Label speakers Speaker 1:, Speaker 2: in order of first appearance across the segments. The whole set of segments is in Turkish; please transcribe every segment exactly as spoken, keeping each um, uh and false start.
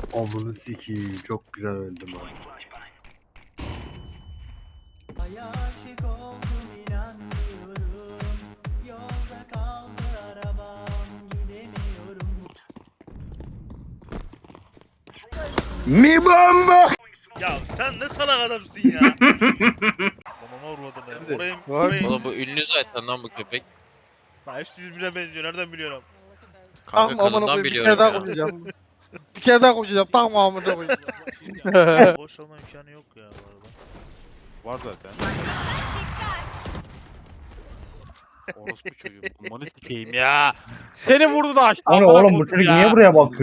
Speaker 1: Amını sikiyim, çok güzel öldüm abi.
Speaker 2: Ay aşık oldum inanmıyorum. Yolda kaldı arabam gidemiyorum.
Speaker 1: Mi bomba!
Speaker 3: Ya sen ne salak adamsın ya. Bana vurmadın ya. Oraya, oraya...
Speaker 4: Oğlum bu ünlü zaten lan bu köpek.
Speaker 3: Ha, hepsi birbirine benziyor. Nereden biliyorum?
Speaker 4: Kanka
Speaker 5: Tamam amına
Speaker 4: kalından
Speaker 5: koyayım bir
Speaker 4: biliyorum
Speaker 5: kere daha
Speaker 4: ya.
Speaker 5: konuşacağım. Bir kere daha konuşacağım. Tamam amına koyayım.
Speaker 3: Boş olma imkanı yok ya bu arada.
Speaker 6: Var zaten. Orospu çocuğum. Amanı sikeyim ya. Seni vurdu da açtı.
Speaker 7: Hani oğlum bu çocuk niye buraya bakıyor?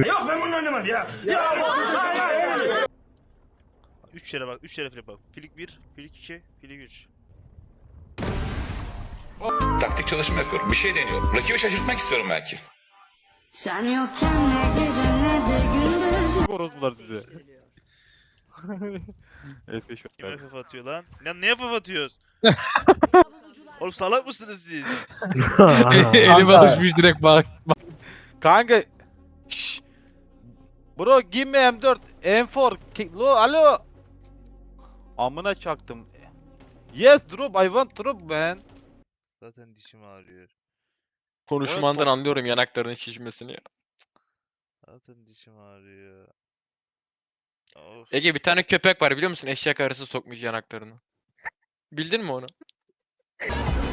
Speaker 3: Üç yere bak. Üç yere flip bak. Filik bir, filik iki, filik üç.
Speaker 8: Taktik çalışma yapıyorum. Bir şey deniyorum. Rakibi şaşırtmak istiyorum belki.
Speaker 9: Sen yokken ne gece ne de gündüz.
Speaker 6: Orospular size. F beş
Speaker 3: Kim F F atıyor lan? Lan niye F F atıyoruz? Oğlum salak mısınız siz?
Speaker 4: Elim alışmış direkt bak.
Speaker 6: Kanka. Şşş. Bro give me M dört. M dört. Ki- Lo alo. Amına çaktım. Yes drop I want drop man.
Speaker 3: Zaten dişim ağrıyor.
Speaker 4: Konuşmandan anlıyorum yanaklarının şişmesini ya.
Speaker 3: Zaten dişim ağrıyor. Of.
Speaker 4: Ege bir tane köpek var biliyor musun? Eşek arısı sokmuş yanaklarını. Bildin mi onu?